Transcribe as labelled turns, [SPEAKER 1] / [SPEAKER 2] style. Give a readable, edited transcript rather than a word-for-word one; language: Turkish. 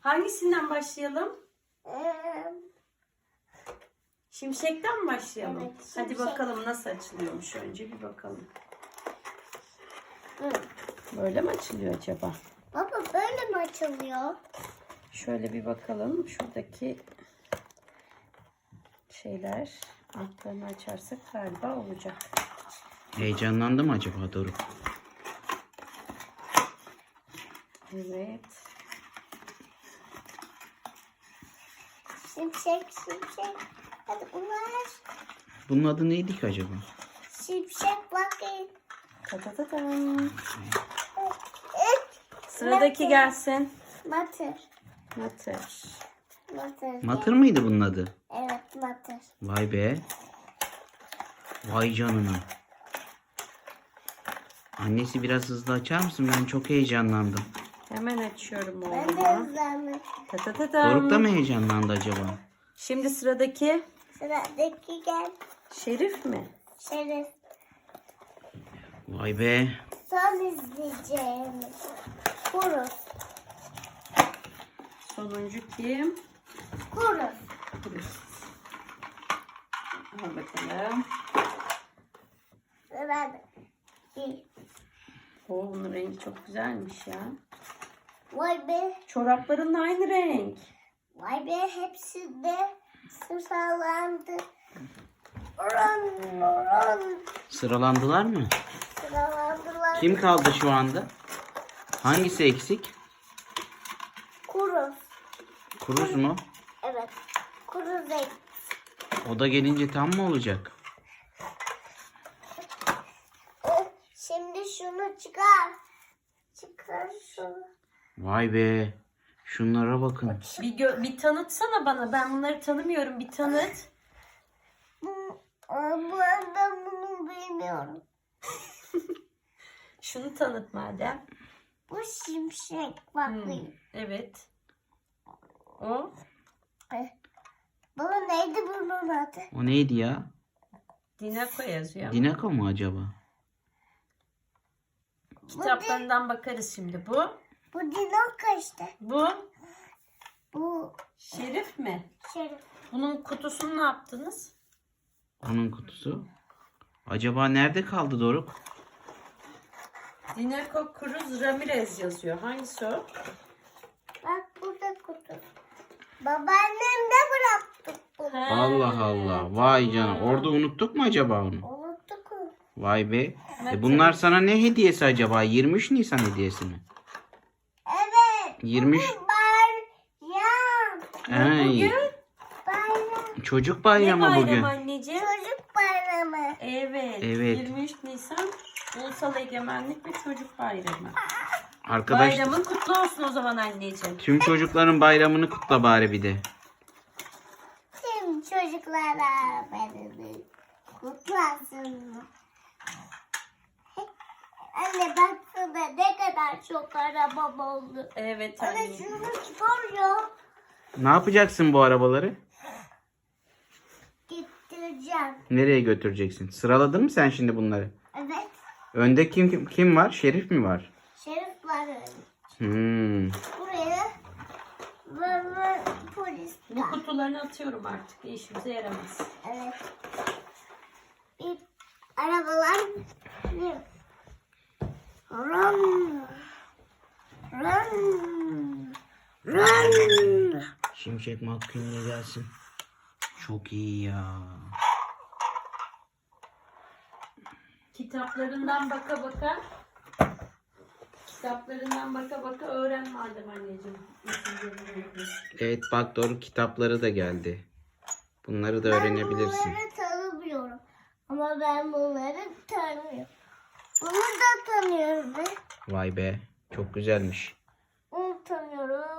[SPEAKER 1] Hangisinden başlayalım? Şimşekten mi başlayalım?
[SPEAKER 2] Evet,
[SPEAKER 1] Hadi
[SPEAKER 2] şimşek.
[SPEAKER 1] bakalım nasıl açılıyormuş, önce bir bakalım. Böyle mi açılıyor acaba?
[SPEAKER 2] Baba böyle mi açılıyor?
[SPEAKER 1] Şöyle bir bakalım. Şuradaki şeyler, altlarını açarsak galiba olacak.
[SPEAKER 3] Heyecanlandı mı acaba Doruk?
[SPEAKER 1] Evet.
[SPEAKER 2] Şimşek. Hadi bunlar.
[SPEAKER 3] Bunun adı neydi ki acaba?
[SPEAKER 2] Şimşek bakayım.
[SPEAKER 1] Ta ta ta tam. Sıradaki gelsin.
[SPEAKER 2] Matır.
[SPEAKER 1] Matır.
[SPEAKER 3] Matır mıydı bunun adı?
[SPEAKER 2] Evet matır.
[SPEAKER 3] Vay be. Vay canına. Annesi biraz hızlı açar mısın? Ben çok heyecanlandım.
[SPEAKER 1] Hemen açıyorum
[SPEAKER 2] Ben de
[SPEAKER 1] oğlum.
[SPEAKER 2] hızlandım.
[SPEAKER 1] Ta ta ta tam.
[SPEAKER 3] Doruk da mı heyecanlandı acaba?
[SPEAKER 1] Şimdi sıradaki
[SPEAKER 2] Sıradaki gel.
[SPEAKER 1] Şerif mi?
[SPEAKER 2] Şerif.
[SPEAKER 3] Vay be.
[SPEAKER 2] Son izleyeceğimiz. Kurus.
[SPEAKER 1] Sonuncu kim?
[SPEAKER 2] Kurus.
[SPEAKER 1] Al bakalım.
[SPEAKER 2] Sıradaki.
[SPEAKER 1] Oo, bunun rengi çok güzelmiş ya.
[SPEAKER 2] Vay be.
[SPEAKER 1] Çorapların da aynı renk.
[SPEAKER 2] Vay be. Hepsi de sıralandı. Oran.
[SPEAKER 3] Sıralandılar mı?
[SPEAKER 2] Sıralandılar.
[SPEAKER 3] Kim kaldı şu anda? Hangisi eksik?
[SPEAKER 2] Kurus.
[SPEAKER 3] Kuruz mu?
[SPEAKER 2] Evet. Kurus renk.
[SPEAKER 3] O da gelince tam mı olacak?
[SPEAKER 2] Şimdi şunu çıkar. Çıkar şunu.
[SPEAKER 3] Vay be. Şunlara bakın.
[SPEAKER 1] Bir tanıtsana bana. Ben bunları tanımıyorum. Bir tanıt.
[SPEAKER 2] Ben bunu bilmiyorum.
[SPEAKER 1] Şunu tanıt madem.
[SPEAKER 2] Bu şimşek. Bakayım.
[SPEAKER 1] Evet. O.
[SPEAKER 2] Baba neydi bunun adı?
[SPEAKER 3] O neydi ya?
[SPEAKER 1] Dinako yazıyor.
[SPEAKER 3] Dinako mu acaba?
[SPEAKER 1] Kitaplarından bakarız şimdi. Bu.
[SPEAKER 2] Bu Dinoka işte.
[SPEAKER 1] Bu.
[SPEAKER 2] Bu
[SPEAKER 1] Şerif mi?
[SPEAKER 2] Şerif.
[SPEAKER 1] Bunun kutusunu ne yaptınız?
[SPEAKER 3] Onun kutusu. Acaba nerede kaldı Doruk?
[SPEAKER 1] Dinako Cruz Ramirez yazıyor. Hangisi o?
[SPEAKER 2] Bak burada kutu. Babaannemde bıraktık bunu.
[SPEAKER 1] Ha.
[SPEAKER 3] Allah Allah. Vay canına. Orada unuttuk mu acaba onu?
[SPEAKER 2] Unuttuk mu?
[SPEAKER 3] Vay be.
[SPEAKER 1] Evet.
[SPEAKER 3] Bunlar sana ne hediyesi acaba? 23 Nisan hediyesi mi?
[SPEAKER 2] Evet.
[SPEAKER 3] 23.
[SPEAKER 2] Bayram.
[SPEAKER 3] Ay,
[SPEAKER 2] Bayram.
[SPEAKER 3] çocuk
[SPEAKER 1] Ne
[SPEAKER 3] bayramı
[SPEAKER 1] bayram
[SPEAKER 3] bugün.
[SPEAKER 1] anneciğim?
[SPEAKER 2] Çocuk bayramı.
[SPEAKER 1] Evet.
[SPEAKER 3] Evet.
[SPEAKER 1] 23 Nisan Ulusal Egemenlik ve Çocuk Bayramı.
[SPEAKER 3] Arkadaş,
[SPEAKER 1] Bayramın kutlu olsun o zaman anneciğim.
[SPEAKER 3] tüm çocukların bayramını kutla bari bir de.
[SPEAKER 2] Tüm çocuklara beni kutlasın. Anne baksana ne kadar çok arabam oldu.
[SPEAKER 1] Evet
[SPEAKER 2] Anne
[SPEAKER 1] anneciğim.
[SPEAKER 2] şunu çıkar ya.
[SPEAKER 3] Ne yapacaksın bu arabaları?
[SPEAKER 2] Getireceğim.
[SPEAKER 3] Nereye götüreceksin? Sıraladın mı sen şimdi bunları?
[SPEAKER 2] Evet.
[SPEAKER 3] Önde kim var? Şerif mi var?
[SPEAKER 2] Şerif var öyle.
[SPEAKER 3] Hmm.
[SPEAKER 2] Buraya ve polis
[SPEAKER 1] Bu
[SPEAKER 2] var.
[SPEAKER 1] kutularını atıyorum artık. İşimize yaramaz.
[SPEAKER 2] Evet. Bir arabalar. Run. Run. Run.
[SPEAKER 3] Şimşek McQueen'le gelsin. Çok iyi ya.
[SPEAKER 1] Kitaplarından baka baka öğren madem anneciğim.
[SPEAKER 3] Evet bak doğru, kitapları da geldi. Bunları da öğrenebilirsin.
[SPEAKER 2] Ben bunları tanımıyorum. Ama ben bunları tanıyorum. Bunu da tanıyorum ben.
[SPEAKER 3] Vay be. Çok güzelmiş.
[SPEAKER 2] Onu tanıyorum.